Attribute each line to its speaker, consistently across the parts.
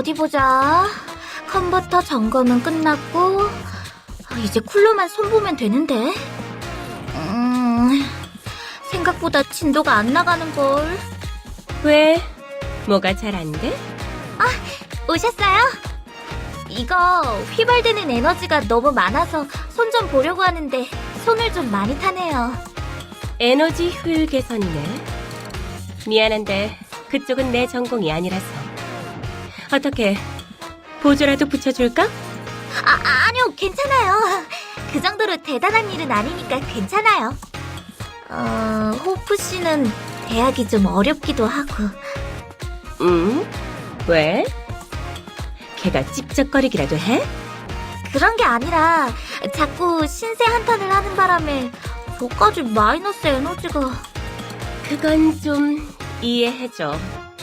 Speaker 1: 어디 보자. 컨버터 점검은 끝났고 이제 쿨러만 손보면 되는데. 생각보다 진도가 안 나가는걸.
Speaker 2: 왜? 뭐가 잘 안 돼?
Speaker 1: 오셨어요? 이거 휘발되는 에너지가 너무 많아서 손 좀 보려고 하는데 손을 좀 많이 타네요.
Speaker 2: 에너지 효율 개선이네. 미안한데 그쪽은 내 전공이 아니라서. 어떻게 보조라도 붙여줄까?
Speaker 1: 아니요, 괜찮아요. 그 정도로 대단한 일은 아니니까 괜찮아요. 호프 씨는 대학이 좀 어렵기도 하고.
Speaker 2: 왜? 걔가 찝쩍거리기라도 해?
Speaker 1: 그런 게 아니라 자꾸 신세 한탄을 하는 바람에 저까지 마이너스 에너지가.
Speaker 2: 그건 좀 이해해줘.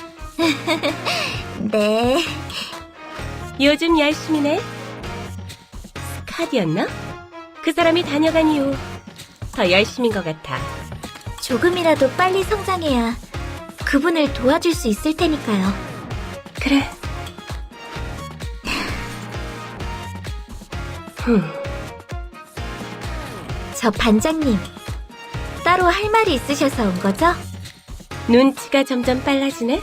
Speaker 1: 네.
Speaker 2: 요즘 열심히네. 스카디였나? 그 사람이 다녀간 이후 더 열심인 것 같아.
Speaker 1: 조금이라도 빨리 성장해야 그분을 도와줄 수 있을 테니까요.
Speaker 2: 그래.
Speaker 1: 저 반장님, 따로 할 말이 있으셔서 온 거죠?
Speaker 2: 눈치가 점점 빨라지네?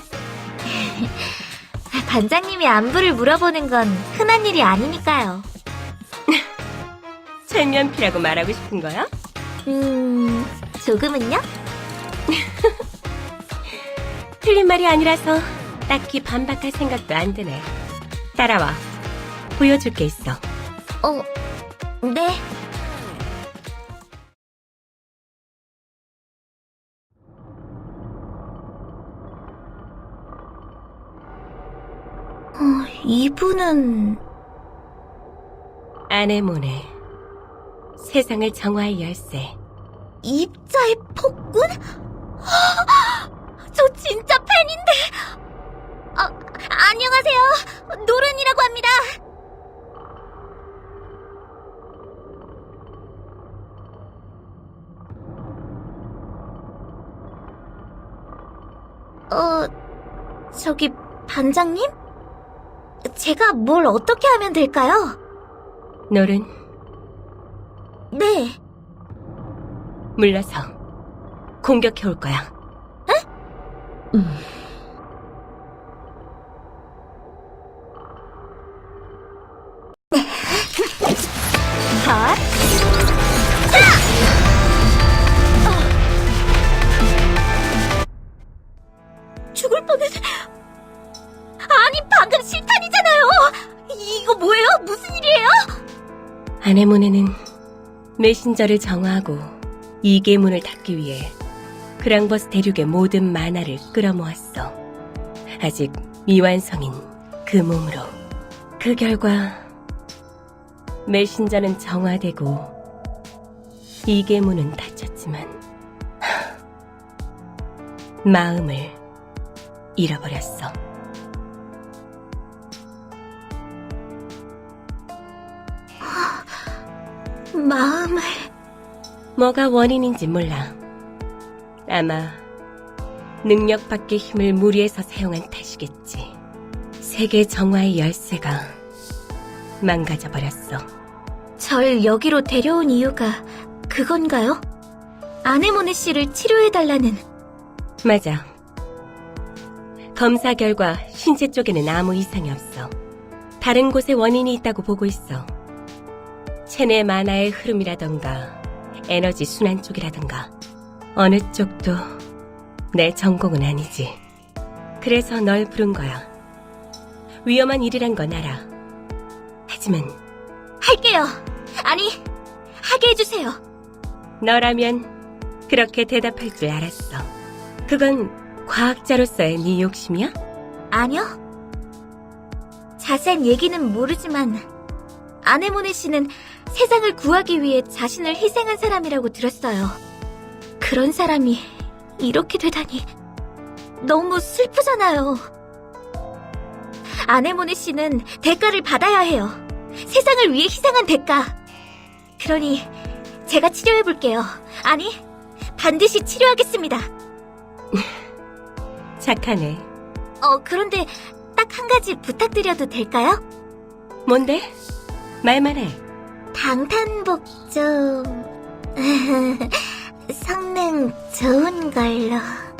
Speaker 1: 반장님이 안부를 물어보는 건 흔한 일이 아니니까요.
Speaker 2: 철면피라고 말하고 싶은 거야?
Speaker 1: 조금은요?
Speaker 2: 틀린 말이 아니라서 딱히 반박할 생각도 안 드네. 따라와. 보여줄 게 있어.
Speaker 1: 네. 이분은...
Speaker 2: 아네모네. 세상을 정화할 열쇠.
Speaker 1: 입자의 폭군? 저 진짜 팬인데. 안녕하세요. 노른이라고 합니다. 저기 반장님? 제가 뭘 어떻게 하면 될까요?
Speaker 2: 노른,
Speaker 1: 네.
Speaker 2: 물러서 공격해 올 거야.
Speaker 1: 컷. 죽을 뻔했어. 아니, 방금 실탄이잖아요. 이거 뭐예요? 무슨 일이에요?
Speaker 2: 아네모네는 메신저를 정화하고 이계문을 닫기 위해 그랑버스 대륙의 모든 만화를 끌어모았어. 아직 미완성인 그 몸으로. 그 결과 메신저는 정화되고 이계문은 닫혔지만 마음을 잃어버렸어.
Speaker 1: 마음을...
Speaker 2: 뭐가 원인인지 몰라. 아마 능력 밖의 힘을 무리해서 사용한 탓이겠지. 세계 정화의 열쇠가 망가져버렸어.
Speaker 1: 절 여기로 데려온 이유가 그건가요? 아네모네 씨를 치료해달라는...
Speaker 2: 맞아. 검사 결과 신체 쪽에는 아무 이상이 없어. 다른 곳에 원인이 있다고 보고 있어. 체내 만화의 흐름이라던가 에너지 순환 쪽이라던가 어느 쪽도 내 전공은 아니지. 그래서 널 부른 거야. 위험한 일이란 건 알아. 하지만
Speaker 1: 할게요. 아니, 하게 해주세요.
Speaker 2: 너라면 그렇게 대답할 줄 알았어. 그건 과학자로서의 네 욕심이야?
Speaker 1: 아니요. 자세한 얘기는 모르지만 아네모네 씨는 세상을 구하기 위해 자신을 희생한 사람이라고 들었어요. 그런 사람이 이렇게 되다니 너무 슬프잖아요. 아네모네 씨는 대가를 받아야 해요. 세상을 위해 희생한 대가. 그러니 제가 치료해볼게요. 아니, 반드시 치료하겠습니다.
Speaker 2: 착하네.
Speaker 1: 그런데 딱 딱 한 가지 부탁드려도 될까요?
Speaker 2: 뭔데? 말만 해.
Speaker 1: 방탄복 좀... 성능 좋은 걸로...